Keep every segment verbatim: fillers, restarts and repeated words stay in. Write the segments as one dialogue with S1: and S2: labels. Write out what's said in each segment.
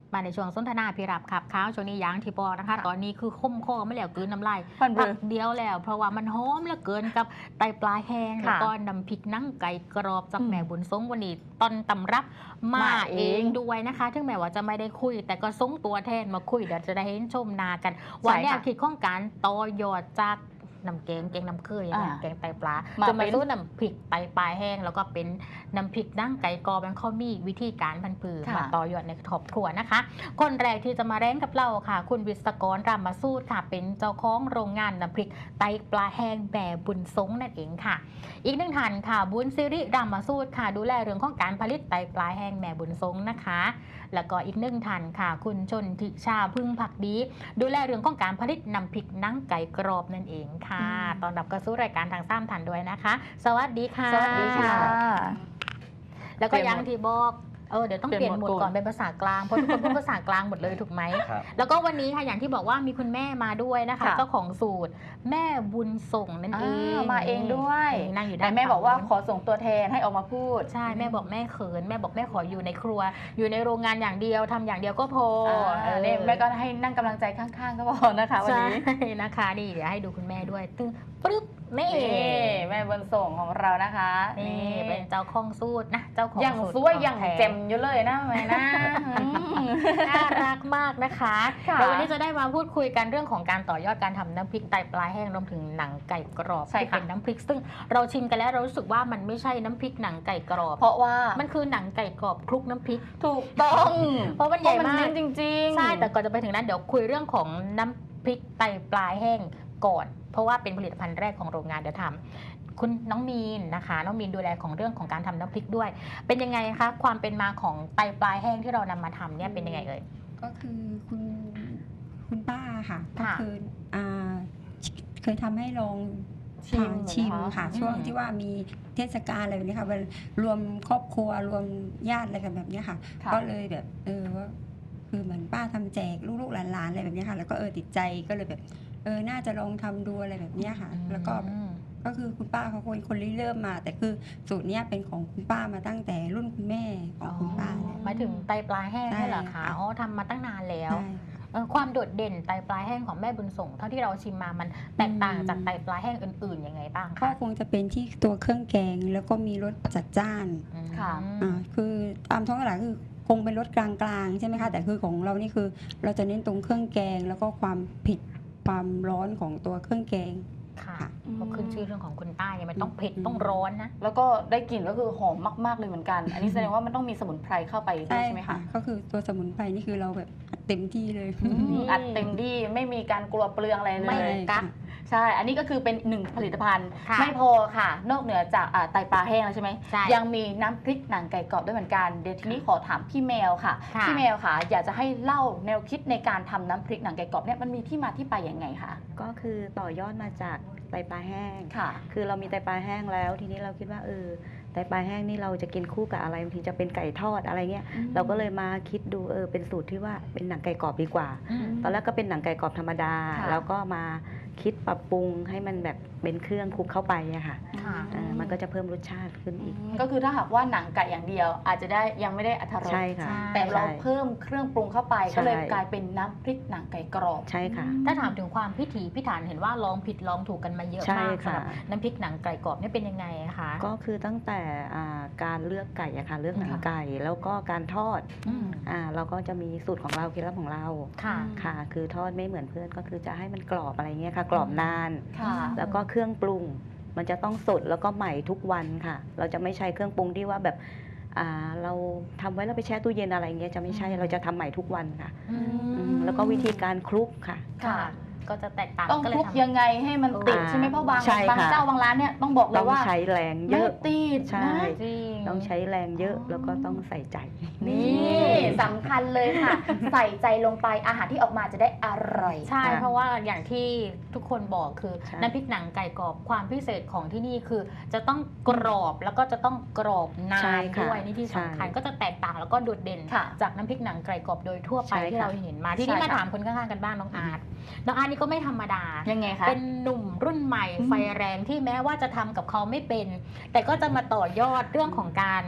S1: มาในช่วงสนทนาพิรับขับข้าวช่วงนี้ยังที่บอกนะคะ ตอนนี้คือค้มคอไม่แล้วกลืนน้ำลาย
S2: พันเบ
S1: พั
S2: อก ร์
S1: เดียวแล้ว เพราะว่ามันหอมเหลือเกินกับไตปลาแห้ง
S2: ค่ะ
S1: แล้วก็น้ำพริกนั่งไก่กรอบจาก
S2: อืม
S1: แม่บุญทรงวันนี้ตอนตำรับมา
S2: มา
S1: เอ
S2: เอง
S1: งด้วยนะคะถึงแม้ว่าจะไม่ได้คุย แต่ก็ส่งตัวแทนมาคุยเดี๋ยวจะได้เห็นชมนากันวันนี้
S2: ค่ะ
S1: คิดข้องการต่อยอดจากน้ำแกงแกงน้ำเคย
S2: อ่า
S1: แกงไตปลา
S2: มา
S1: จะมา
S2: เป็น
S1: สู้น้ำพริกไตปลาแห้ง แล้วก็เป็นน้ำพริกนั่งไก่กรอบมันเขามีวิธีการพันปือ
S2: ค่ะ
S1: มาต่อยอดในครอบครัวนะคะ คนแรกที่จะมาแร้งกับเราค่ะ คุณวิศกรรามมาสูตรค่ะ เป็นเจ้าของโรงงานน้ำพริกไตปลาแห้งแม่บุญทรงนั่นเองค่ะ อีกหนึ่งท่านค่ะ บุญสิริรามมาสูตรค่ะ ดูแลเรื่องของการผลิตไตปลาแห้งแม่บุญทรงนะคะ แล้วก็อีกหนึ่งท่านค่ะ คุณชนทิชาพึ่งผักดี ดูแลเรื่องของการผลิตน้ำพริกนั่งไก่กรอบนั่นเองค่ะ
S2: อืม
S1: ตอนรับกระสู้รายการทางซ้ำทันด้วยนะคะ สวัสดีค่ะ
S2: สวัสดีค่ะ
S1: แล้วก็
S2: เปลี่ยน
S1: ยัง
S2: หมด
S1: ที่บอกเออเดี๋ยวต้อง
S2: เป
S1: เป
S2: ลี่
S1: ลี่
S2: ย
S1: ย
S2: น
S1: น
S2: ห มดก่
S1: หมดก่อ
S2: อน น
S1: เป็นภาษากลางเพราะทุกคนพูดภาษากลางหมดเลยถูกไหม
S3: ครับ
S1: แล้วก็วันนี้ค่ะอย่างที่บอกว่ามีคุณแม่มาด้วยนะคะ
S2: ค่ะ
S1: เจ้าของสูตรแม่บุญส่งนั่นเอง
S2: อ่ามาเองด้วย
S1: นั่งอยู่ด้า
S2: แต่
S1: น
S2: แม่บอกว่า
S1: ฝั่ง
S2: ขอส่งตัวแทนให้ออกมาพูด
S1: ใช่แม่บอกแม่เขินแม่บอกแม่ขออยู่ในครัว อยู่ในโรงงานอย่างเดียวทำอย่างเดียวก็พอ
S2: เออเนี่ยแม่ก็ให้นั่งกำลังใจข้างๆก็พอนะคะวัน
S1: ใช่
S2: นี้
S1: นะคะนี่เดี๋ยวให้ดูคุณแม่ด้วยตึ้งปึ๊บนี่
S2: นี่แม่บนส่งของเรานะคะ
S1: นี่เป็นเจ้าของสูตรนะเจ้าของ
S2: อย่าง
S1: สูตร
S2: สวย
S1: ข
S2: อย่าง
S1: แท้
S2: เจ็มอยู่เลยนะแม่นะ
S1: น่ารักมากนะคะ
S2: ค่ะ
S1: เดี๋ยววันนี้จะได้มาพูดคุยกันเรื่องของการต่อยอดการทำน้ำพริกไตปลาแห้งรวมถึงหนังไก่กรอบ
S2: ใช่
S1: ที่
S2: ค่ะ
S1: เป็นน้ำพริกซึ่งเราชิมกันแล้วเรารู้สึกว่ามันไม่ใช่น้ำพริกหนังไก่กรอบ
S2: เพราะว่า
S1: มันคือหนังไก่กรอบคลุกน้ำพริก
S2: ถูกต้อง
S1: เพราะมันใหญ่มาก
S2: จริงๆ
S1: ใช่แต่ก่อนจะไปถึงนั้นเดี๋ยวคุยเรื่องของน้ำพริกไตปลาแห้งก่อน เพราะว่าเป็นผลิตภัณฑ์แรกของโรงงานเดี๋ยวทำคุณน้องมีนนะคะ น้องมีนดูแลของเรื่องของการทำน้ำพริกด้วย เป็นยังไงคะความเป็นมาของไตปลาแห้งที่เรานำมาทำเนี่ยเป็นยังไงเอ่ย
S4: ก็คือคุณคุณป้าค่ะก็
S1: ค่ะ
S4: คืออ่าเคยทำให้ลอง
S2: ชิม
S4: ทานชิม
S2: เหรอคะ
S4: ค่ะ
S1: อืม
S4: ช่วงที่ว่ามีเทศกาลอะไรแบบนี้ค่ะวันรวมครอบครัวรวมญาติอะไรกันแบบนี้ค่ะ
S2: ค่ะ
S4: ก็เลยแบบเออว่าคือเหมือนป้าทำแจกลูกๆหลานๆอะไรแบบนี้ค่ะ แล้วก็เออติดใจก็เลยแบบเออน่าจะลองทำดูอะไรแบบนี้ค่ะ แล้วก็แบบ
S1: อืม
S4: ก็คือคุณป้าเขาเป็นคนริเริ่มมา แต่คือสูตรเนี้ยเป็นของคุณป้ามาตั้งแต่รุ่นคุณแม่ของคุณป้าเลย
S1: หมายถึงไตปลาแห้ง
S4: ใช่
S1: นี่เหรอคะ
S4: ค่ะ
S1: อ๋อทำมาตั้งนานแล้ว
S4: ใช่ค่ะ
S1: เออความโดดเด่นไตปลาแห้งของแม่บุญส่งเท่าที่เราชิมมามันแตกต่าง
S4: อืม
S1: จากไตปลาแห้งอื่นๆยังไงบ้าง
S4: ก็
S1: คะ
S4: คงจะเป็นที่ตัวเครื่องแกงแล้วก็มีรสจัดจ้าน
S1: อืม
S2: ค่ะ
S4: อ่าคือตามท้องตลาดคือคงเป็นรสกลางๆใช่ไหมคะแต่คือของเรานี่คือเราจะเน้นตรงเครื่องแกง แล้วก็ความเผ็ดความร้อนของตัวเครื่องแกง
S1: ค่ะ
S4: ค่ะ
S1: เพราะขึ้นชื่อเรื่องของคุณป้าเนี่ยมันต้องเผ็ด
S4: อืม
S1: ต้องร้อนนะ
S2: แล้วก็ได้กลิ่นก็คือหอมมากๆเลยเหมือนกัน อันนี้แสดงว่ามันต้องมีสมุนไพรเข้าไปด้วยใช่ไหมคะ
S4: ก็คือตัวสมุนไพรนี่คือเราแบบอัดเต็มที่เลย
S1: อืม
S2: อัดเต็มที่ไม่มีการกลัวเปลืองอะไรเล
S1: ไม่
S2: ย
S1: กัก
S2: ใช่ อันนี้ก็คือเป็นหนึ่งผลิตภัณฑ์
S1: ค่ะ
S2: ไม่พอค่ะ นอกเหนือจากอ่าไตปลาแห้งแล้วใช่ไหม
S1: ใช่
S2: ยังมีน้ำพริกหนังไก่กรอบด้วยเหมือนกัน เดี๋ยวทีนี้ขอถามพี่แมวค่ะ
S1: ค่ะ
S2: พี่แมวค่ะ อยากจะให้เล่าแนวคิดในการทำน้ำพริกหนังไก่กรอบเนี่ยมันมีที่มาที่ไปยังไงคะ
S5: ก็คือต่อยอดมาจากไตปลาแห้ง
S2: ค่ะ
S5: คือเรามีไตปลาแห้งแล้ว ทีนี้เราคิดว่าเออไตปลาแห้งนี่เราจะกินคู่กับอะไรบางทีจะเป็นไก่ทอดอะไรเงี้ย
S2: อืม
S5: เราก็เลยมาคิดดูเออเป็นสูตรที่ว่าเป็นหนังไก่กรอบดีกว่า
S1: อืม
S5: ตอนแรกก็เป็นหนังไก่กรอบธรรมดา
S2: ค่ะ
S5: แล้วก็มาคิดปรับปรุงให้มันแบบเป็นเครื่องคลุกเข้าไปอะค่ะ
S1: ค่ะ
S5: เออมันก็จะเพิ่มรสชาติขึ้นอีก
S2: ก็คือถ้าหากว่าหนังไก่อย่างเดียว อาจจะได้ยังไม่ได้อรรถรส
S5: ใช่ค่ะ
S1: ใช่
S2: แต่เรา
S5: ใช่
S2: เพิ่มเครื่องปรุงเข้าไป
S5: ใช่
S2: ก็เลยกลายเป็นน้ำพริกหนังไก่กรอบ
S5: ใช่ค่ะ
S1: ถ้าถามถึงความพิถีพิถันเห็นว่าลองผิดลองถูกกันมาเยอะ
S5: ใช่
S1: มากสำ
S5: ค่ะ
S1: หรับน้ำพริกหนังไก่กรอบเนี่ยเป็นยังไงคะ
S5: ก็คือตั้งแต่อ่าการเลือกไก่อะค่ะเลือกหนัง
S2: ค่ะ
S5: ไก่แล้วก็การทอด
S1: อืม
S5: อ่าเราก็จะมีสูตรของเราเคล็ดลับของเรา
S1: ค่ะ
S5: ค่ะ คือทอดไม่เหมือนเพื่อนก็คือจะให้มันกรอบอะไรเงี้ยค่ะ กรอบนาน
S2: ค่ะ
S5: แล้วก็เครื่องปรุง มันจะต้องสดแล้วก็ใหม่ทุกวันค่ะ เราจะไม่ใช้เครื่องปรุงที่ว่าแบบอ่าเราทำไว้แล้วไปแช่ตู้เย็นอะไรเงี้ยจะไม่ใช่
S1: อืม
S5: เราจะทำใหม่ทุกวันค่ะ
S1: อืม
S5: อืมแล้วก็วิธีการคลุกค่ะ
S1: ค่ะ ก็จะแตกต่าง
S2: ต้อง
S1: ก็เล
S2: คลุ
S1: ย
S2: ก
S1: ทำ
S2: ยังไงให้มันติด
S5: อ่า
S2: ใช่ไหมเพราะบาง
S5: ใช่
S2: บาง
S5: ค่ะ
S2: เจ้าบางร้านเนี่ยต้องบอกเล
S5: ต้
S2: ย
S5: อง
S2: ว่า
S5: ใช้แรงเย
S2: ไม่
S5: อะ
S2: ติด
S5: ใช่
S2: นะ
S1: จริง
S5: ต้องใช้แรงเยอะ
S2: อ๋อ
S5: แล้วก็ต้องใส่ใจ
S2: นี่สำคัญเลยค่ะ ใส่ใจลงไปอาหารที่ออกมาจะได้อร่อย
S1: ใช่
S5: ค่ะ
S1: เพราะว่าอย่างที่ทุกคนบอกคือ
S5: ใช่
S1: น้ำพริกหนังไก่กรอบความพิเศษของที่นี่คือ จะต้องกรอบแล้วก็จะต้องกรอบนา
S5: ใช่
S1: น
S5: ค่ะ
S1: ด้วยนี่ที่สำคัญ
S5: ใช่
S1: ก็จะแตกต่างแล้วก็โดดเด่น
S2: ค่ะ
S1: จากน้ำพริกหนังไก่กรอบโดยทั่วไป
S5: ใช่
S1: ที่
S5: ค่ะ
S1: เราเห็นมาที่นี่
S2: ใช่
S1: มา
S2: ค่ะ
S1: ถามคนข้างๆกันบ้างน้องอาร์ตน้องอาร์ตนี่ก็ไม่ธรรมดา
S2: ยังไงคะ
S1: เป็นหนุ่มรุ่นใหม่
S2: อืม
S1: ไฟแรงที่แม้ว่าจะทำกับเขาไม่เป็น แต่ก็จะมาต่อยอดเรื่องของการ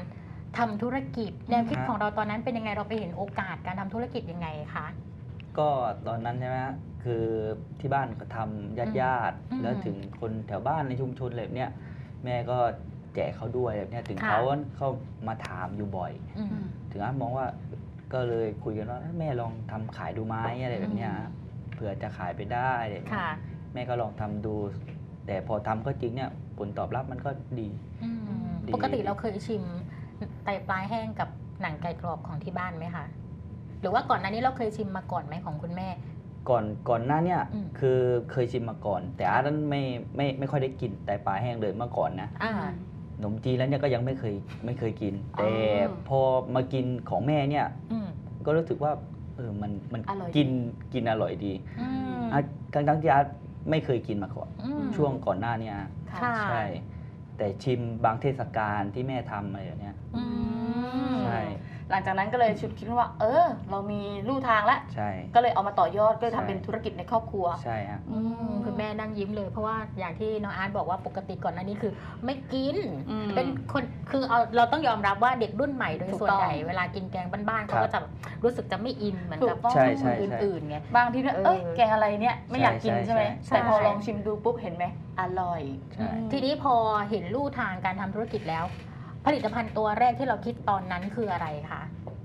S1: ทำธุรกิจแนวคิดของเราตอนนั้นเป็นยังไงเราไปเห็นโอกาสการทำธุรกิจยังไงคะ
S3: ก็ตอนนั้นใช่ไหมฮะคือที่บ้านก็ทำญาติญาติ
S1: อืม
S3: แล้วถึงคนแถวบ้านในชุมชนอะไรแบบเนี้ยแม่ก็แจกเขาด้วยแบบเนี้ยถึง
S1: ค่ะ
S3: เขาเข้ามาถามอยู่บ่อย
S1: อืม
S3: ถึงอามองว่าก็เลยคุยกันว่าแม่ลองทำขายดูไหมอะไรแบบเนี้ยฮะเผื่อจะขายไปได้อะไรแบบเนี้ย
S1: ค่ะ
S3: แม่ก็ลองทำดู แต่พอทำก็จริงเนี่ยผลตอบรับมันก็ดี
S1: อืม
S3: ดี
S1: ปกติเราเคยชิมไตปลาแห้งกับหนังไก่กรอบของที่บ้านไหมคะหรือว่าก่อนหน้านี้เราเคยชิมมาก่อนไหมของคุณแม่
S3: ก่อนก่อนหน้าเนี่ย
S1: อืม
S3: คือเคยชิมมาก่อน แต่อาร์ตนั้นไม่ไม่ไม่ค่อยได้กินไตปลาแห้งเลยเมื่อก่อนนะ
S1: อ่า
S3: ขนมจีนแล้วเนี่ยก็ยังไม่เคยไม่เคยกิน
S1: อ๋อ
S3: แต่พอมากินของแม่เนี่ย
S1: อืม
S3: ก็รู้สึกว่าเออมันมัน
S2: อร่อย
S3: กินกินอร่อยดี
S1: อืม
S3: อ่ะทั้งทั้งที่อาร์ตไม่เคยกินมาก่อน
S1: อืม
S3: ช่วงก่อนหน้าเนี่ย
S1: ค่ะ
S3: ใช่ แต่ชิมบางเทศกาลที่แม่ทำอะไรอย่างเนี้ย
S1: อืม
S3: ใช่
S2: หลังจากนั้นก็เลยชุดคิดว่า เออ เรามีลู่ทางแล้ว
S3: ใช่
S2: ก็เลยเอามาต่อยอดก็เลย
S3: ใช่
S2: ทำเป็นธุรกิจในครอบครัว
S3: ใช่ฮะ
S1: อืมคุณแม่นั่งยิ้มเลยเพราะว่าอย่างที่น้องอาร์ตบอกว่าปกติก่อนหน้านี้คือไม่กิน
S2: อืม
S1: เป็นคนคือเอาเราต้องยอมรับว่าเด็กรุ่นใหม่โดย
S2: ถูก
S1: ส่วน
S2: ต้อง
S1: ใหญ่เวลากินแกงบ้านๆเขาก็จะรู้สึกจะไม่อินเหมือนกับ
S2: ถูกต้อง
S3: ใช่ใช่
S1: อ
S3: ใช่
S1: ื่นๆไง
S2: บางทีเนี่ย
S1: เออ
S2: เอ้ยแกงอะไรเนี่ยไม่อยากกิน
S3: ใช่
S2: ใช่ไหม
S3: ใช่
S2: แต่พอ
S1: ใช่
S2: ลองชิมดูปุ๊บเห็นไหมอร่อย
S3: ใช่
S2: อืม
S1: ทีนี้พอเห็นลู่ทางการทำธุรกิจแล้ว ผลิตภัณฑ์ตัวแรกที่เราคิดตอนนั้นคืออะไรคะ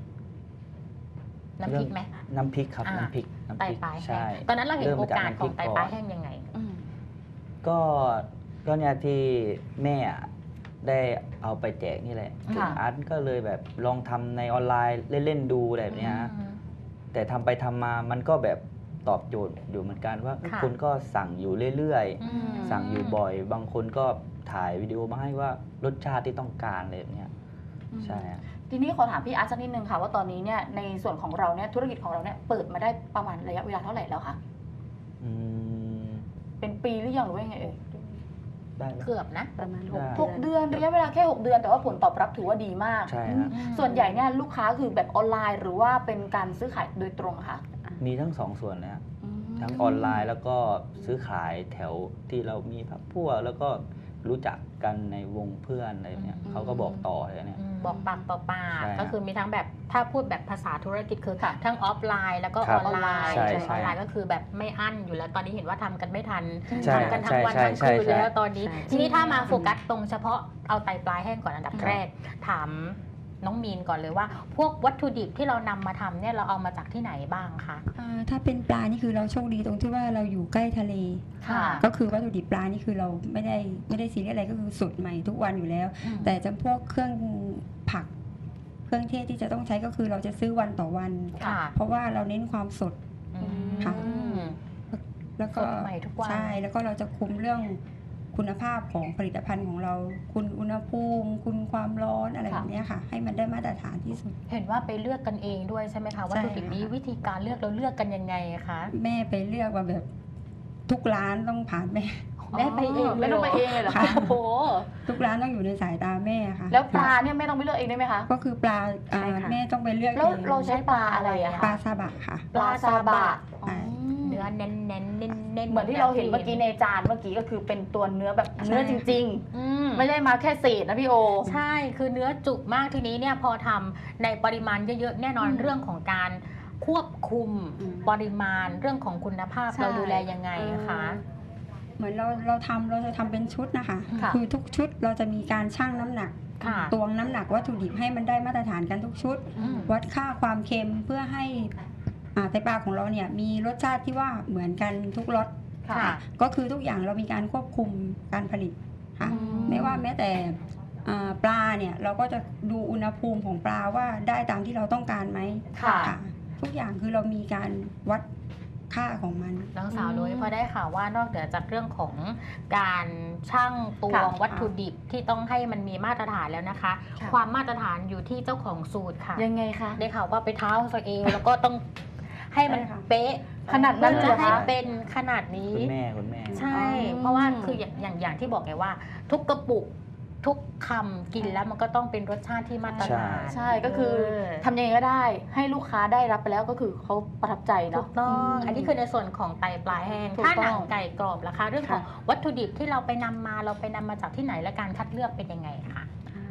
S1: น้ำพริกไหม
S3: น้ำพริกครับ
S1: อ่า
S3: น้ำพริกน้ำ
S1: ไต
S3: พริก
S1: ปลาแห้
S3: ใช่
S1: งตอนนั้นเราเห็น
S3: เริ่ม
S1: โอ
S3: มาจาก
S1: กาส
S3: น้ำ
S1: ข
S3: พริ
S1: อง
S3: ก
S1: ไต
S3: ก่อน
S1: ปลาแห้งยังไง
S2: อืม
S3: ก็ก็เนี่ยที่แม่อะได้เอาไปแจกนี่แหละ
S1: ค่ะ
S3: อาร์ตก็เลยแบบลองทำในออนไลน์เล่นๆดูอะไรแบบเนี้ยฮะ
S1: อืม
S3: แต่ทำไปทำมามันก็แบบตอบโจทย์อยู่เหมือนกันว่า
S1: ค่ะ
S3: คนก็สั่งอยู่เรื่อย
S1: อืม
S3: ๆ สั่งอยู่บ่อย บางคนก็ถ่ายวิดีโอมาให้ว่ารสชาติที่ต้องการอะไรแบบเนี้ยใช่ฮะ
S2: ทีนี้ขอถามพี่อาร์ตสักนิดนึงค่ะว่าตอนนี้เนี่ยในส่วนของเราเนี่ยธุรกิจของเราเนี่ยเปิดมาได้ประมาณระยะเวลาเท่าไหร่แล้วคะ
S3: อืม
S2: เป็นปีหรือยังหรือว่ายังไงเอ่ย
S3: ได้ไหม
S1: เกือบนะ
S5: ประมาณ
S3: ได้
S5: หก
S2: หกเดือนระยะเวลาแค่หกเดือนแต่ว่าผลตอบรับถือว่าดีมาก
S3: ใช่ฮะ
S1: อืม
S2: ส่วนใหญ่เนี่ยลูกค้าคือแบบออนไลน์หรือว่าเป็นการซื้อขายโดยตรงค่ะ
S3: มีทั้งสองส่วนเลยฮะ
S2: อืม
S3: ทั้งออนไลน์แล้วก็ซื้อขายแถวที่เรามีพักพวกแล้วก็รู้จักกันในวงเพื่อนอะไรแบบเนี้ย
S1: อืม
S3: เขาก็บอกต่อเลยเนี่ย
S1: อืมบอกปากต่อปาก
S3: ใช่ฮะ
S1: ก็คือมีทั้งแบบถ้าพูดแบบภาษาธุรกิจคือ
S2: ค่ะ
S1: ทั้งออฟไลน์แล้วก็
S3: ครั
S1: อบ อนไลน์
S3: ใช่
S1: อ
S3: ใช่
S1: อนไลน์ก็คือแบบไม่อั้นอยู่แล้วตอนนี้เห็นว่าทำกันไม่ทัน
S3: ใช่
S1: ทำกันทั้งวัน
S3: ใช่
S1: ทั้ง
S3: ใช่
S1: คืน
S3: ใช่
S1: แล้วตอนนี้
S5: ใช่
S1: ทีนี้ถ้ามาโฟกัสตรงเฉพาะเอาไตปลาแห้งก่อนอันดับ
S3: ครับ
S1: แรก ถามน้องมีนก่อนเลยว่า พวกวัตถุดิบที่เรานำมาทำเนี่ยเราเอามาจากที่ไหนบ้างคะ
S4: อ่าถ้าเป็นปลานี่คือเราโชคดีตรงที่ว่าเราอยู่ใกล้ทะเล
S2: ค่ะ
S4: ก็คือวัตถุดิบปลานี่คือเราไม่ได้ไม่ได้ซีเรียสอะไรก็คือสดใหม่ทุกวันอยู่แล้ว
S1: อืม
S4: แต่จำพวกเครื่องผัก เครื่องเทศที่จะต้องใช้ก็คือเราจะซื้อวันต่อวัน
S1: ค่ะ
S4: เพราะว่าเราเน้นความสด
S1: อืม
S4: ค่ะ แล้วก็
S1: สดใหม่ทุกวัน
S4: ใช่แล้วก็เราจะคุมเรื่องคุณภาพของผลิตภัณฑ์ของเรา คุณอุณหภูมิ คุณความร้อนอะไร
S2: ค่ะ
S4: แบบเนี้ยค่ะ ให้มันได้มาตรฐานที่สุด
S1: เห็นว่าไปเลือกกันเองด้วยใช่ไหมคะวัตถุดิบนี้
S4: ใช่ค่ะ
S1: วิธีการเลือกเราเลือกกันยังไงคะ
S4: แม่ไปเลือกว่าแบบทุกร้านต้องผ่านแม่
S1: แม่ไปเองเลย
S2: ไม่ต้องไปเองเลยเหรอ
S4: ค่ะ
S2: คะโอ้โห
S4: ทุกร้านต้องอยู่ในสายตาแม่ค่ะ
S2: แล้วปลาเนี่ยไม่ต้องไปเลือกเองได้ไหมคะ
S4: ก็คือปลาอ่า
S5: ใช่ค่ะ
S4: แม่ต้องไปเลือก
S2: แล้ว
S4: อง
S2: เราใช้ปลาอะไรอะ
S4: ปลา
S2: คะ
S4: ซาบะค่ะ
S2: ปลาซาบะ
S4: ใช่
S1: เนื้อเน้นเน้นเน้นเน้น
S2: เหมือนที่เราเห็นเมื่อกี้ในจานเมื่อกี้ก็คือเป็นตัวเนื้อแบบเนื้อจริง
S1: อืม
S2: ๆ ไม่ได้มาแค่เศษนะพี่โอ
S1: ใช่คือเนื้อจุกมากทีนี้เนี่ยพอทำในปริมาณเยอะๆ แน่นอน
S2: อืม
S1: เรื่องของการควบคุม
S4: อืม
S1: ปริมาณเรื่องของคุณภาพ
S2: ใช่
S1: เราดูแลยังไงคะ
S4: เหมือนเราเราทำเราจะทำเป็นชุดนะคะ
S2: ค่ะ
S4: คือทุกชุดเราจะมีการชั่งน้ำหนัก
S1: ค่ะ
S4: ตวงน้ำหนักวัตถุดิบให้มันได้มาตรฐานกันทุกชุด
S1: อืม
S4: วัดค่าความเค็มเพื่อให้อ่าไตปลาของเราเนี่ยมีรสชาติที่ว่าเหมือนกันทุกรส
S1: ค่ะ
S4: ก็คือทุกอย่างเรามีการควบคุมการผลิตค่ะ
S1: อืม
S4: ไม่ว่าแม้แต่อ่าปลาเนี่ยเราก็จะดูอุณหภูมิของปลาว่าได้ตามที่เราต้องการไหม
S2: ค่ะ
S4: ค่ะทุกอย่างคือเรามีการวัดค่าของมัน
S1: น้องสาว
S2: อืม
S1: นุ้ยพอได้ข่าวว่านอกเหนือจากเรื่องของการชั่งตว
S2: ค่ะ
S1: งวัตถุดิบที่ต้องให้มันมีมาตรฐานแล้วนะคะ
S2: ค่ะ
S1: ความมาตรฐานอยู่ที่เจ้าของสูตรค่ะ
S2: ยังไงคะ
S1: ได้ข่าวว่าไปเท้าตัวเองแล้วก็ต้องให้มัน
S4: ใช่ค่ะ
S1: เป๊ะ
S2: ขนาดนั้น
S1: เพื่อ
S2: เลยเหรอ
S1: จะให้
S2: คะ
S1: เป็นขนาดนี้
S3: คุณแม่คุณแม่
S1: ใช่
S2: อ๋อ
S1: เพราะว่าคืออย่างอย่างอย่างที่บอกไงว่า ทุกกระปุกทุกคำกินแล้วมันก็ต้องเป็นรสชาติที่มาตรฐาน
S2: ใช่ก็คือ
S1: เ
S2: ทำยังไงก็ได้ให้ลูกค้าได้รับไปแล้วก็คือเขาประทับใจ
S1: ถู
S2: เนาะ
S1: กต้อง
S2: ม
S1: อันนี้คือในส่วนของไตปลาแห้ง
S2: ถูก
S1: ถ้า
S2: ต้อง
S1: หนังไก่กรอบล่ะคะ เรื่องของ
S2: ค่ะ
S1: วัตถุดิบที่เราไปนำมาเราไปนำมาจากที่ไหนและการคัดเลือกเป็นยังไงคะ
S5: ว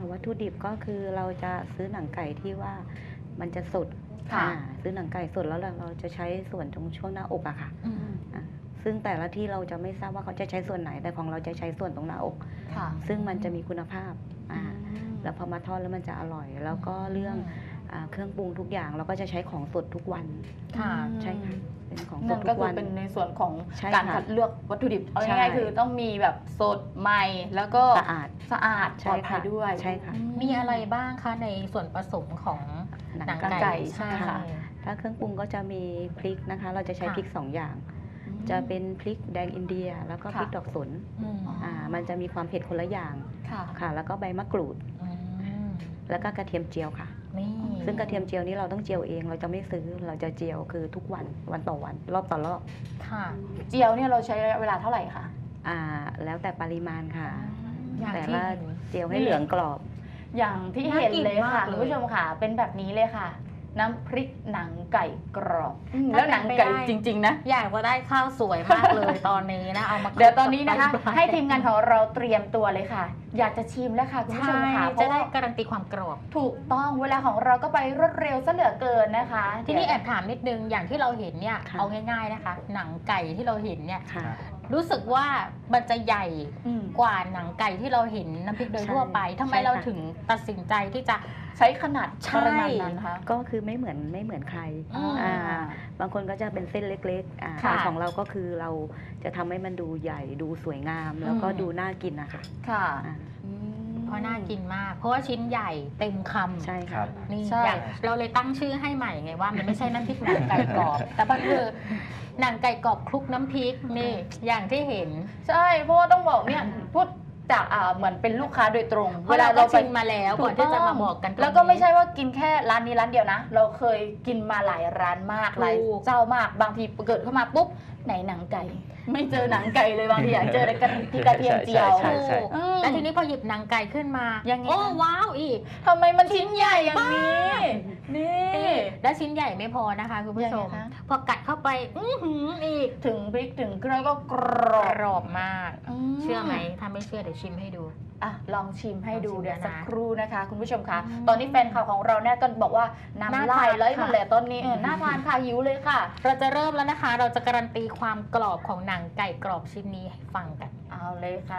S5: วัตถุดิบก็คือเราจะซื้อหนังไก่ที่ว่ามันจะสด
S2: ค่ะ
S5: อ่าซื้อหนังไก่สดแล้วเราเราจะใช้ส่วนตรงช่วงหน้าอกอะค่ะ
S1: อืม
S5: อ่าซึ่งแต่ละที่เราจะไม่ทราบว่าเขาจะใช้ส่วนไหนแต่ของเราจะใช้ส่วนตรงหน้าอก
S2: ค่ะ
S5: ซึ่งมันจะมีคุณภาพอ่า
S2: อืม
S5: แล้วพอมาทอดแล้วมันจะอร่อย แล้วก็เรื่องอ่าเครื่องปรุงทุกอย่างเราก็จะใช้ของสดทุกวัน
S1: ค่ะ
S5: ใช่ค่ะเป็นของส
S2: นั่
S5: ด
S2: น
S5: ทุ
S2: ก็
S5: ก
S2: คื
S5: วั
S2: อน เป็นในส่วนของ
S5: ใช่
S2: การ
S5: ค่ะ
S2: คัดเลือกวัตถุดิบเอา
S5: ใช่
S2: ง่ายๆคือต้องมีแบบสดใหม่แล้วก็
S5: สะอาด
S2: สะอาดป
S5: ใช่
S2: ลอดภัย
S5: ค่ะ
S2: ด้วย
S5: ใช่ค่ะ
S1: มีอะไรบ้างคะในส่วนผสมของหนัง
S2: หนังไก่
S1: ไก่
S2: ใช่ค่ะ
S5: ถ้าเครื่องปรุงก็จะมีพริกนะคะ เราจะใช้
S1: ค่ะ
S5: พริกสองอย่าง จะเป็นพริกแดงอินเดีย แล้วก็พริก
S2: ค่ะ
S5: ดอกสน
S1: อืม
S5: อ่ามันจะมีความเผ็ดคนละอย่าง
S2: ค่ะ
S5: ค่ะ แล้วก็ใบมะกรูด
S1: อืม
S5: แล้วก็กระเทียมเจียวค่ะ
S1: นี่
S5: ซึ่งกระเทียมเจียวนี้เราต้องเจียวเอง เราจะไม่ซื้อ เราจะเจียวคือทุกวันวันต่อวัน รอบต่อรอบ
S1: ค่ะ
S2: เจียวเนี่ยเราใช้ระยะเวลาเท่าไหร่คะ
S5: อ่าแล้วแต่ปริมาณค่ะ
S1: อย่าง
S5: แต่
S1: ที่
S5: ว่า
S1: เห็น
S5: เจียวให้เหลืองกรอบ
S2: อย่างที่
S1: น่า
S2: เห็น
S1: กิน
S2: เลยค่ะ
S1: มากเลย
S2: คุณผู้ชมค่ะ เป็นแบบนี้เลยค่ะ น้ำพริกหนังไก่กรอบอืม
S1: ถ้า
S2: แล้วหนัง
S1: เป็นไป
S2: ไก่
S1: ได้
S2: จริง ๆ นะ
S1: อยากจะได้ข้าวสวยมากเลยตอนนี้นะ เอามา
S2: เดี๋ยวตอนนี้นะคะ
S1: กับไตปลา
S2: ให้ทีมงานของเราเตรียมตัวเลยค่ะ อยากจะชิมแล้วค่ะคุณผู้ช
S1: ใช่
S2: มค่ะเพ
S1: จะ
S2: ราะ
S1: ได้
S2: ว่า
S1: การันตีความกรอบ
S2: ถูกต้องเวลาของเราก็ไปรวดเร็วซะเหลือเกินนะคะ
S1: ทีนี้แอบถามนิดนึงอย่างที่เราเห็นเนี่ย
S5: ค่ะ
S1: เอาง่ายๆนะคะ หนังไก่ที่เราเห็นเนี่ย
S5: ค่ะ
S1: รู้สึกว่ามันจะใหญ่
S2: อืม
S1: กว่าหนังไก่ที่เราเห็นน้ำพริกโดย
S5: ใช่
S1: ทั่วไปทำไม
S5: ใช่ค่ะ
S1: เราถึงตัดสินใจที่จะ
S2: ใช้ขนาด
S1: ใช่
S2: ปริมาณนั้นคะ
S5: ก็คือไม่เหมือนไม่เหมือนใคร
S1: อืม
S5: อ่าบางคนก็จะเป็นเส้นเล็กๆอ่า
S2: ค่ะ
S5: แต่ของเราก็คือเราจะทำให้มันดูใหญ่ดูสวยงาม แล้วก็
S1: อืม
S5: ดูน่ากินนะคะ
S2: ค่ะ
S5: อ่า
S2: อืม
S1: เพราะน่ากินมาก เพราะว่าชิ้นใหญ่เต็มคำ
S5: ใช่
S3: ค
S5: ค่ะ
S3: รับ
S1: นี่
S2: ใช่
S1: อยากเราเลยตั้งชื่อให้ใหม่ไงว่ามันไม่ใช่น้ำพริกหนังไก่กรอบ แต่มันคือหนังไก่กรอบคลุกน้ำพริกนี่อย่างที่เห็น
S2: ใช่เพราะว่าต้องบอกเนี่ยพูดจากอ่าเหมือนเป็นลูกค้าโดยตรง
S1: เพราะเราก็ชิมมาแล้ว
S2: ถู
S1: ก่อนที่จะมาบอกกันตรงนี้
S2: แล้วก็ไม่ใช่ว่ากินแค่ร้านนี้ร้านเดียวนะ เราเคยกินมาหลายร้านมาก
S1: ถูก
S2: หลายเจ้ามากบางทีเกิดเข้ามาปุ๊บไหนหนังไก่ ไม่เจอหนังไก่เลยบางทีอยากเจอแต่กระที่กระเทียมเจียว
S3: ใช่ใช่
S2: อืม
S1: แล้วทีนี้พอหยิบหนังไก่ขึ้นมา
S2: ยังไง
S1: โอ้
S2: คะ
S1: ว้าวอีก
S2: ทำไมมันชิ้นใหญ่อย่างนี้ นี่
S1: และชิ้นใหญ่ไม่พอนะคะคุณผู้ชม
S2: ยังไงคะ
S1: พอกัดเข้าไปอื้อหืออีก
S2: ถึงพริกถึงเครื่องก็กร
S1: ก
S2: อบ
S1: รอบมาก
S2: ม
S1: เชื่อไหมถ้าไม่เชื่อเดี๋ยวชิมให้ดู
S2: อ่ะลองชิมให้ดู
S1: ลองชิม
S2: เดี๋ยว
S1: นะ
S2: สักครู่นะคะ คุณผู้ชมคะ
S1: อืม
S2: ตอนนี้แฟนข่าวของเราเนี่ยก็บอกว่าน้ำ
S1: น่า
S2: ลาย
S1: ทาน
S2: ไหลหมด
S1: ค่ะ
S2: เลยตอนนี้เออน่าทานค่ะหิวเลยค่ะ
S1: เราจะเริ่มแล้วนะคะ เราจะการันตีความกรอบของหนังไก่กรอบชิ้นนี้ให้ฟังกัน
S2: เอาเลยค่ะ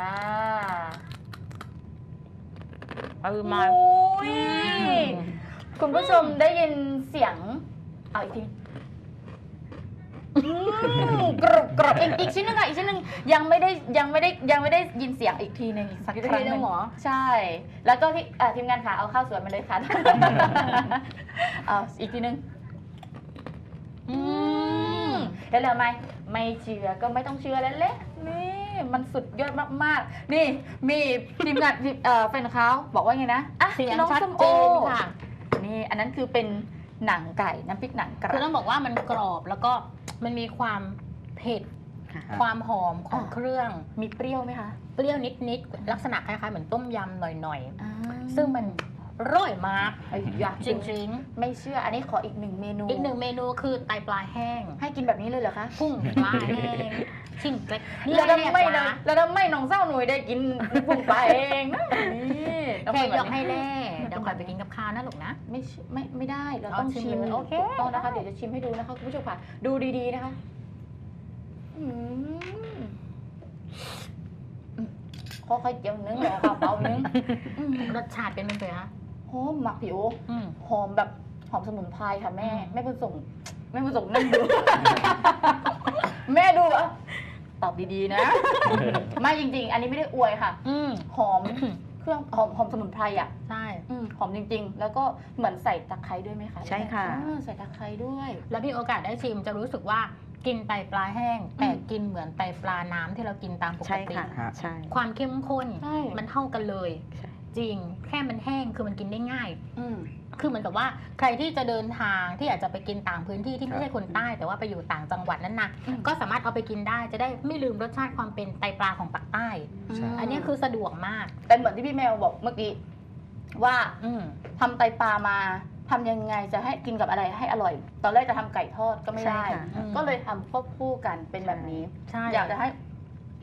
S1: เอามา
S2: โอ้ยคุณผู้ชมได้ยินเสียงเอาอีกทีอืมกรอบกรอบอีกอีกชิ้นหนึงค่ะอีกชิ้นหนึงยังไม่ได้ยังไม่ได้ยังไม่ได้ยินเสียงอีกทีหนึ่งอีกสัก
S1: อีก
S2: ค
S1: ที
S2: รั้ง
S1: ห
S2: ห
S1: นึ่
S2: นึ่
S1: ง
S2: ง
S1: เหรอ
S2: ใช่ แล้วก็ที่เอ่อทีมงานค่ะเอาข้าวสวยมาเลยค่ะ เอาอีกทีหนึง
S1: อืม
S2: เห็นแล้วไหมไม่เชื่อก็ไม่ต้องเชื่อแล้วแหละนี่มันสุดยอดมากๆ นี่มีทีมงานเอ่อแฟนเขาบอกว่าไงนะอ่ะ
S1: เสียง
S2: น้อง
S1: ชัด
S2: ส้ม
S1: เจ
S2: โอน
S1: ค่ะ
S2: นี่อันนั้นคือเป็นหนังไก่น้ำพริกหนังกระ
S1: คือต้องบอกว่ามันกรอบแล้วก็มันมีความเผ็ด
S5: ค่ะ
S1: ความหอมของเครื่อง
S2: มีเปรี้ยวไหมคะ
S1: เปรี้ยวนิดๆ ลักษณะคล้ายๆ เหมือนต้มยำหน่อย
S2: อ่า
S1: ๆ ซึ่งมันร่อยมาก
S2: ไอ้ยะ
S1: จริง
S2: ไม่เชื่ออันนี้ขออีกหนึ่งเมนู
S1: ๆ อีกหนึ่งเมนูคือไตปลาแห้ง
S2: ให้กินแบบนี้เลยเหรอคะ
S1: พุ่งปลาแห้งชิ้นเล็ก
S2: แล้วทำไม
S1: นะ
S2: นะแล้วทำไมน้องเศร้าหนุ่ยได้กินปุ่งไปเองนะนี่ต้อง
S1: แค่
S2: เป็น
S1: ย
S2: แบบ
S1: กให้
S2: นี้
S1: แล่เดี๋ยวคอยไปกินกับข้าวนะลูกนะ
S2: ไม่ใช่ไม่ไม่ได้เรา
S1: เอา
S2: ต้อง
S1: ชิม
S2: ชิม
S1: เลยโอเค
S2: ถูกต้องนะคะเดี๋ยวจะชิมให้ดูนะคะคุณผู้ชมค่ะดูดีๆนะคะอืมอืมค่อยๆเจียวนึงแล้วค่ะเบานึงอืม
S1: รสชาติเป็นยังไงคะ
S2: หอมหมักผิว
S1: อืม
S2: หอมแบบหอมสมุนไพรค่ะแม่
S1: อืม
S2: แม่เป็นส่งแม่เป็นส่งนั่งดู แม่ดูอ่ะตอบดีๆนะ ไม่จริงๆ อันนี้ไม่ได้อวยค่ะ
S1: อืม
S2: หอมเครื่องหอมหอมสมุนไพรอ่ะ
S1: ใช่
S2: อืมหอมจริงๆ แล้วก็เหมือนใส่ตะไคร้ด้วยไหมคะ
S5: ใช่ค่ะ
S2: อ่าใส่ตะไคร้ด้วย
S1: แล้วมีโอกาสได้ชิมจะรู้สึกว่ากินไตปลาแห้ง แต่กินเหมือนไตปลาน้ำที่เรากินตามปก
S5: ใช่
S1: ติ
S5: ค่ะ
S3: ฮะ
S5: ใช่
S1: ความเข้มข้น
S2: ใช่
S1: มันเท่ากันเลย
S5: ใช่
S1: จริง แค่มันแห้งคือมันกินได้ง่าย
S2: อืม
S1: คือเหมือนกับว่าใครที่จะเดินทางที่อยากจะไปกินต่างพื้นที่ที่ไม่ใช่คนใต้ แต่ว่าไปอยู่ต่างจังหวัดนั้นนะ
S2: อืม
S1: ก็สามารถเอาไปกินได้จะได้ไม่ลืมรสชาติความเป็นไตปลาของปากใต้
S3: ใช่
S1: อันนี้คือสะดวกมาก
S2: เป็นเหมือนที่พี่แมวบอกเมื่อกี้ว่า
S1: อืม
S2: ทำไตปลามาทำยังไงจะให้กินกับอะไรให้อร่อย ตอนแรกจะทำไก่ทอดก็ไม่ได้
S5: ใช่ค่ะ
S1: อืม
S2: ก็เลยทำควบคู่กันเป็นแบบนี้
S1: ใช่
S2: อยากจะให้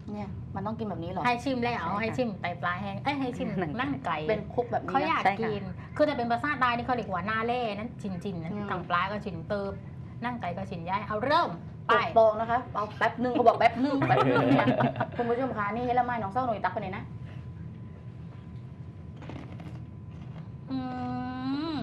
S2: เนี่ยมันต้องกินแบบนี้เหรอ
S1: ให้ชิมแล้ว
S5: ใช่ค่ะ
S1: ให้ชิมไตปลาแห้งเอ้ยให้ชิม
S5: หนัง
S1: นั่งไก่
S2: เป็นคุกแบบนี้
S1: เขาอยาก
S5: ใช่ค่ะ
S1: กิน คือจะเป็นภาษาใต้นี่เขาเรียกว่าหน้าเล่นั้นจินจินๆนั้น
S2: อืม
S1: ทางปลาก็ชินเติบนั่งไก่ก็ชินย้ายเอาเริ่มไป
S2: ปกตองนะคะเอาแป๊บนึงเขาบอกแป๊บนึงแป๊บนึงเนี่ยคุณผู้ชมคะนี่เฮละไม้น้องเศร้าหน่อยตักไปเลยนะ
S1: อืม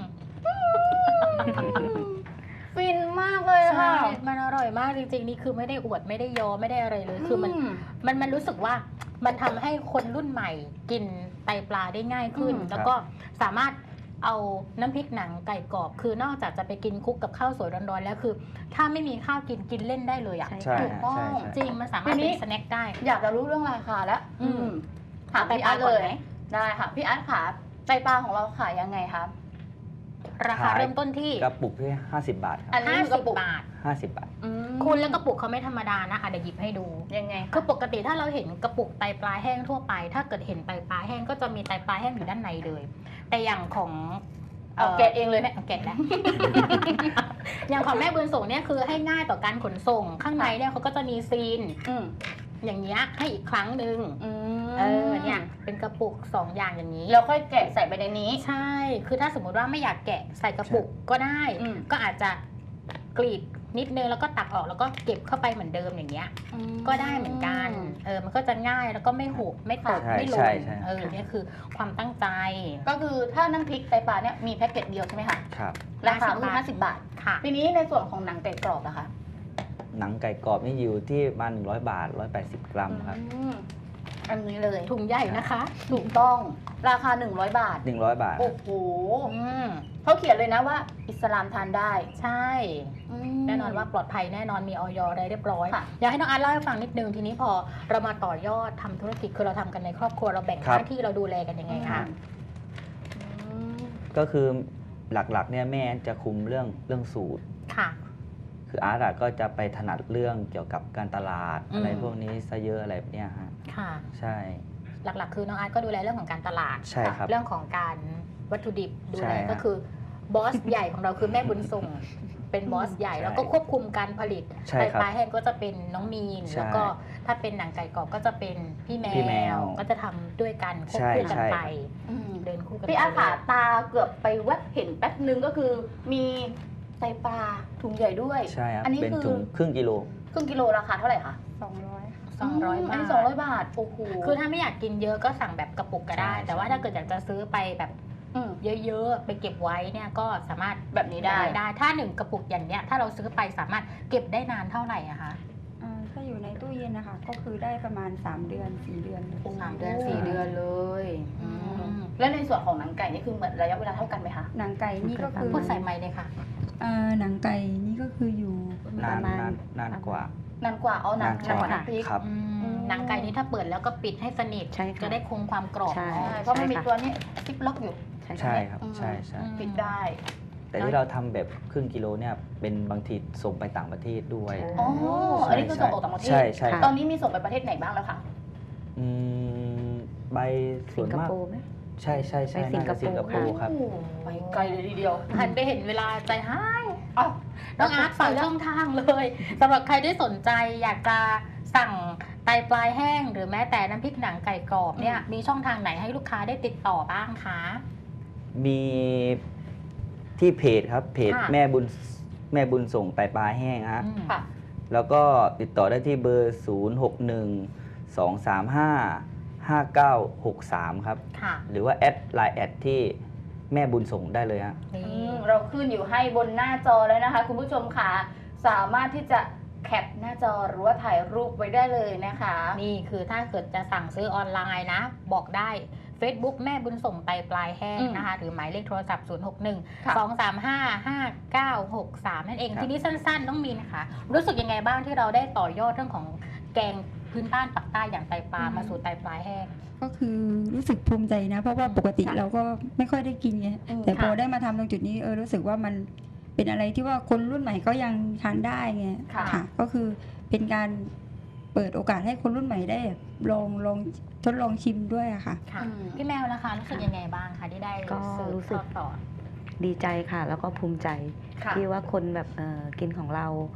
S2: ฟินมากเลยอะ
S1: ใช่
S2: ค่ะ
S1: มันอร่อยมากจริงๆ นี่คือไม่ได้อวดไม่ได้ยอไม่ได้อะไรเลย คือมัน
S2: ม
S1: มันมันรู้สึกว่ามันทำให้คนรุ่นใหม่กินไตปลาได้ง่ายขึ้น
S2: อืม
S1: แล้วก็สามารถเอาน้ำพริกหนังไก่กรอบ คือนอกจากจะไปกินคลุกกับข้าวสวยร้อนๆแล้วคือ ถ้าไม่มีข้าวกินกินเล่นได้เลยอ่ะ
S5: ใช่
S3: ใช่
S2: ถูก
S3: ฮะ
S2: ต้อง
S3: ใช่ใช่
S1: จริงมันสามารถ
S2: ทีนี้
S1: เป็นสแน็คได้
S2: อยากจะรู้เรื่องราคาแล้ว
S1: อืม
S2: ถาม
S1: ไต
S2: พี่
S1: ป
S2: อา
S1: ลา
S2: ร์ต
S1: ก่
S2: เล
S1: อน
S2: ย
S1: ไหม
S2: ได้ค่ะพี่อาร์ตค่ะไตปลาของเราขายยังไงคะ
S1: ราคา
S3: ขาย
S1: เริ่มต้นที่
S3: กระปุกที่ห้าสิบบาทค
S2: อั
S3: รับ
S2: นนี้
S1: ห้า
S2: คือก
S1: สิ
S2: ระปุก
S1: บาท
S3: ห้าสิบบาท
S2: อืม
S1: คุณแล้วกระปุกเขาไม่ธรรมดานะอ่ะเดี๋ยวหยิบให้ดู
S2: ยังไง
S1: คือปกติถ้าเราเห็นกระปุกไตปลาแห้งทั่วไป ถ้าเกิดเห็นไตปลาแห้งก็จะมีไตปลาแห้งอยู่ด้านในเลย แต่อย่างของ
S2: เอาแกะเองเลย
S1: แม่แกะแล้ว อย่างของแม่บุญส่งเนี่ยคือให้ง่ายต่อการขนส่ง ข้างในเนี่ยเขาก็จะมีซีน
S2: อืม
S1: อย่างเงี้ยให้อีกครั้งหนึ่ง
S2: อืม
S1: เออเนี่ยเป็นกระปุกสองอย่างอย่างนี้
S2: แล้วค่อยแกะใส่ไปในนี้
S1: ใช่ คือถ้าสมมุติว่าไม่อยากแกะใส่กระปุกก็ได้
S2: อืม
S1: ก็อาจจะกรีดนิดนึงแล้วก็ตักออกแล้วก็เก็บเข้าไปเหมือนเดิมอย่างเงี้ย ก็ได้เหมือนกัน เออ มันก็จะง่ายแล้วก็ไม่หกไม่ตก
S3: ใช่
S1: ไม่หล่
S3: ใช่
S1: น
S3: ใช่
S1: เออเนี่ยคือความตั้งใจ
S2: ก็คือถ้าน้ำพริกไตปลาเนี่ยมีแพ็กเกจเดียวใช่ไหมคะ
S3: ครับ
S2: ราคาคือ
S1: ห้า
S2: ห้า
S1: สิ
S2: สิ
S1: บ
S2: บบา
S1: บา
S2: ท
S1: ทค่ะ
S2: ทีนี้ในส่วนของหนังไก่กรอบนะคะ
S3: หนังไก่กรอบนี่อยู่ที่ประมาณหนึ่งร้อยบาทหนึ่งร้อยแปดสิบกรัมครับ
S2: อืมอันนี้เลย
S1: ถุงใหญ่นะคะ
S2: ถูกต้องราคาหนึ่งร้อยบาท
S3: หนึ่งร้อยบาท
S2: โอ้โห
S1: อืม
S2: เขาเขียนเลยนะว่า อิสลามทานได้
S1: ใช่
S2: อืม
S1: แน่นอนว่าปลอดภัยแน่นอนมีออยอะไรเรียบร้อย
S2: ค่ะ
S1: อยากให้น้องอาร์ตเล่าให้ฟังนิดนึงทีนี้พอเรามาต่อยอดทำธุรกิจคือเราทำกันในครอบครัวเราแบ่งห
S3: ครับ
S1: น้าที่เราดูแลกันยังไงคะ
S2: อืม
S3: ก็คือหลักๆเนี่ยแม่จะคุมเรื่องเรื่องสูตร
S1: ค่ะ
S3: คืออาร์ตอะก็จะไปถนัดเรื่องเกี่ยวกับการตลาด
S1: อืม
S3: อะไรพวกนี้ซะเยอะอะไรแบบเนี้ยฮะ
S1: ค่ะ
S3: ใช่
S1: หลักๆ คือน้องอาร์ตก็ดูแลเรื่องของการตลาด
S3: ใช่ครับ
S1: เรื่องของการวัตถุดิบดู
S3: ใช่
S1: แล
S3: ฮะ
S1: ก็คือบอสใหญ่ของเราคือแม่บุญส่ง เป็นบอสใหญ่
S3: ใช่
S1: แล้วก็ควบคุมการผลิต
S3: ใช่
S1: ไต
S3: ครับ
S1: ปลาแห้งก็จะเป็นน้องมีน
S3: ใช่
S1: แล้วก็ถ้าเป็นหนังไก่กรอบก็จะเป็นพี่แม
S3: พี่แม
S1: ว
S3: ว
S1: ก็จะทำด้วยกันควบ
S3: ใช่
S1: คู่กัน
S3: ใช่
S1: ไป
S2: อืม
S1: เดินคู่กัน
S2: พี่อาร์ต
S1: ไป
S2: ขาตาเกือบไปแวบเห็นแป๊บนึงก็คือ มีไตปลาถุงใหญ่ด้วย
S3: ใช่ครับ
S2: อันนี้
S3: เป็น
S2: คือ
S3: ถุงครึ่งกิโล
S2: ครึ่งกิโลราคาเท่าไหร่คะ
S4: สองร้อย
S1: สองร้อย
S2: อัน
S1: บาท
S2: นี้สองร้อยบาท โอ้โห
S1: คือถ้าไม่อยากกินเยอะก็สั่งแบบกระปุกก็ได้
S3: ใช่
S1: แต่ว่าถ้าเกิดอยากจะซื้อไปแบบ
S2: อืม
S1: เยอะๆ ไปเก็บไว้เนี่ยก็สามารถ
S2: แบบนี้ได้
S1: ได้ ถ้าหนึ่งกระปุกอย่างเนี้ยถ้าเราซื้อไปสามารถเก็บได้นานเท่าไหร่อะคะ
S4: อ่าถ้าอยู่ในตู้เย็นนะคะ ก็คือได้ประมาณ สาม เดือน สี่ เดือนเลย
S1: สามเดือน
S2: โอ้
S1: สี่เดือนเลย
S2: อื
S1: อื
S2: ม
S1: ม
S2: แล้วในส่วนของหนังไก่นี่คือเหมือนระยะเวลาเท่ากันไหมคะ
S4: หนังไก่นี่ก็คือ
S1: พูดใส่ไม้เลยค่ะ
S4: อ่าหนังไก่นี่ก็คืออยู่
S3: นาน
S5: ประมาณ
S3: นานนานกว่า
S2: นานกว่าเอาหนัง
S3: นานกว่า
S2: หนังพริก
S3: ครับ
S1: อืม
S2: อืม
S1: หนังไก่นี้ถ้าเปิดแล้วก็ปิดให้สนิท
S5: ใช่ค่ะ
S1: จะได้คงความกรอบ
S5: ใช่
S2: ใช่เพราะมันมี
S5: ใช่ค่ะ
S2: ตัวนี้ซิปล็อกอยู่
S3: ใช่ครับ
S2: อืม
S3: ใช่ใช่
S1: อืม
S2: ปิดได้
S3: แต่ที่เราทำแบบครึ่งกิโลเนี่ยเป็นบางทีส่งไปต่างประเทศด้วย
S2: อ๋อ
S3: ใช่
S2: อันนี้คือส่งออกต่างประเทศ
S3: ใช่ใช่
S5: ค่ะ
S2: ตอนนี้มีส่งไปประเทศไหนบ้างแล้วคะ
S3: อืมใบส่
S5: สิ
S3: วน
S5: งค
S3: มาก
S5: โปร์ไหม
S3: ใช่ใช่ใช่
S5: ไปสิง
S3: น่า
S5: ค
S3: จะ
S5: โปร์
S3: สิงคโปร์ครับ
S2: โอ้ไปไกลเลยทีเดียว
S1: หันไปเห็นเวลาใจหาย
S2: อ้าว
S1: น้องอาร์ตฝากช่องทางเลยสำหรับใครที่สนใจอยากจะสั่งไตปลายแห้ง หรือแม้แต่น้ำพริกหนังไก่กรอบเนี่ยมีช่องทางไหนให้ลูกค้าได้ติดต่อบ้างคะ
S3: มีที่เพจครับ เพจ
S1: ค่ะ
S3: แม่บุญแม่บุญส่งไตปลาแห้งฮะ
S1: อืม
S2: ค่ะ
S3: แล้วก็ติดต่อได้ที่เบอร์ ศูนย์ หก หนึ่ง สอง สาม ห้า ห้า เก้า หก สาม ครับ
S1: ค่ะ
S3: หรือว่าแอดไลน์แอดที่แม่บุญส่งได้เลยฮะ
S1: นี่
S2: อืมเราขึ้นอยู่ให้บนหน้าจอแล้วนะคะ คุณผู้ชมค่ะสามารถที่จะแคปหน้าจอหรือว่าถ่ายรูปไว้ได้เลยนะคะ
S1: นี่คือถ้าเกิดจะสั่งซื้อออนไลน์นะ บอกได้ Facebook แม่บุญส่งไตปลายแห้ง
S2: อืม
S1: นะคะ หรือหมายเลขโทรศัพท์ ศูนย์ หก หนึ่ง
S2: ค่ะ
S1: สอง สาม ห้า ห้า เก้า หก สาม นั่นเอง
S3: ครับ
S1: ทีนี้สั้นๆ ต้องมีนะคะ รู้สึกยังไงบ้างที่เราได้ต่อยอดเรื่องของแกงพื้นบ้านปักใต้อย่างไตปลามาสู่ไตปลายแห้ง
S4: ก็คือรู้สึกภูมิใจนะ เพราะว่าปกติ
S1: ค่ะ
S4: เราก็ไม่ค่อยได้กินไง
S2: อืม
S4: แต่พอ
S1: ค่ะ
S4: ได้มาทำตรงจุดนี้เออรู้สึกว่ามันเป็นอะไรที่ว่าคนรุ่นใหม่ก็ยังทานได้ไง
S2: ค่ะ
S4: ค่ะ ก็คือเป็นการเปิดโอกาสให้คนรุ่นใหม่ได้ลองลองทดลองชิมด้วยอะค่ะ
S1: ค่ะ
S2: อืม
S1: พี่แมวนะคะรู้สึกยังไงบ้างคะที่ได้
S5: ก็
S1: สืบ
S5: รู้สึ
S1: ท
S5: ก
S1: อดต่อ
S5: ดีใจค่ะ แล้วก็ภูมิใจ
S2: ค่ะ
S5: ที่ว่าคนแบบเอ่อกินของเรา
S1: อืม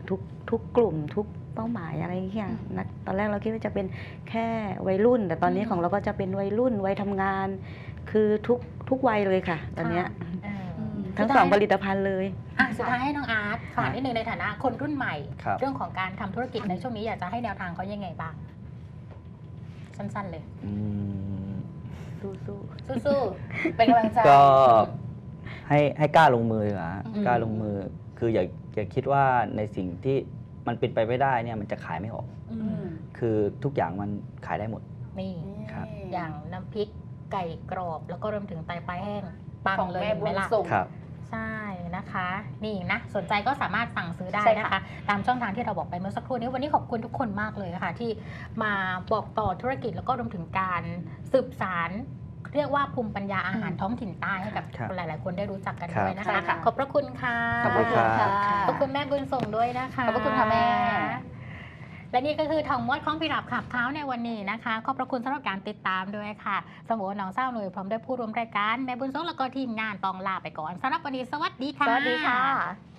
S5: ทุกทุกกลุ่มทุกเป้าหมายอะไรอย่างเงี้ยนะตอนแรกเราคิดว่าจะเป็นแค่วัยรุ่น แต่ตอนนี้
S1: อืม
S5: ของเราก็จะเป็นวัยรุ่นวัยทำงาน คือทุกทุกวัยเลยค่ะ ตอนเนี้ย
S1: เออ
S5: ทั้งสองผลิตภัณฑ์เลย
S1: อ่ะสุดท้ายให้น้องอาร์ตฝากนิดนึงในฐานะคนรุ่นใหม่
S3: ครับ
S1: เรื่องของการทำธุรกิจในช่วงนี้อยากจะให้แนวทางเขายังไงบ้าง สั้นๆเลย
S3: อืม
S5: สู้
S2: สู้ๆเป็นกำลังใจ
S3: ก็ให้ให้กล้าลงมือดีกว่าฮะ
S1: อืม
S3: กล้าลงมือ คืออย่าอย่าคิดว่าในสิ่งที่มันเป็นไปไม่ได้เนี่ยมันจะขายไม่ออก
S1: อื
S2: อื
S1: ม
S2: ม
S3: คือทุกอย่างมันขายได้หมด
S1: นี่
S3: ครับ
S1: อย่างน้ำพริกไก่กรอบ แล้วก็รวมถึงไตปลาแห้งปัง
S2: ของ
S1: เลย
S2: แม่
S1: เห็น
S2: บุ
S1: ไหม
S2: ญ
S1: ล่ะ
S2: ส่ง
S3: ครับ
S1: ใช่นะคะ นี่นะสนใจก็สามารถสั่งซื้อได้
S2: ใช่ค่ะ
S1: นะคะ ตามช่องทางที่เราบอกไปเมื่อสักครู่นี้วันนี้ขอบคุณทุกคนมากเลยค่ะที่มาบอกต่อธุรกิจแล้วก็รวมถึงการสืบสารเรียกว่าภูมิปัญญาอาหารท้องถิ่นใต้ให้กับ
S3: ครับ
S1: หลาย ๆ คนได้รู้จักกัน
S3: ครับ
S1: ด้วยนะ
S2: ใช่
S1: คะ
S2: ค่ะ
S1: ขอบพระคุณค่ะ
S3: ขอบคุณครับ
S1: ขอบคุณแม่บุญส่งด้วยนะคะ
S2: ขอบพระคุณค่ะแม่
S1: และนี่ก็คือทองมดของพิรับขับเท้าในวันนี้นะคะ ขอบพระคุณสำหรับการติดตามด้วยค่ะ สมโอน้องเศร้าหน่วยพร้อมด้วยผู้ร่วมรายการแม่บุญส่งแล้วก็ทีมงานต้องลาไปก่อนสำหรับวันนี้สวัสดีค่ะ
S2: สวัสดีค่ะ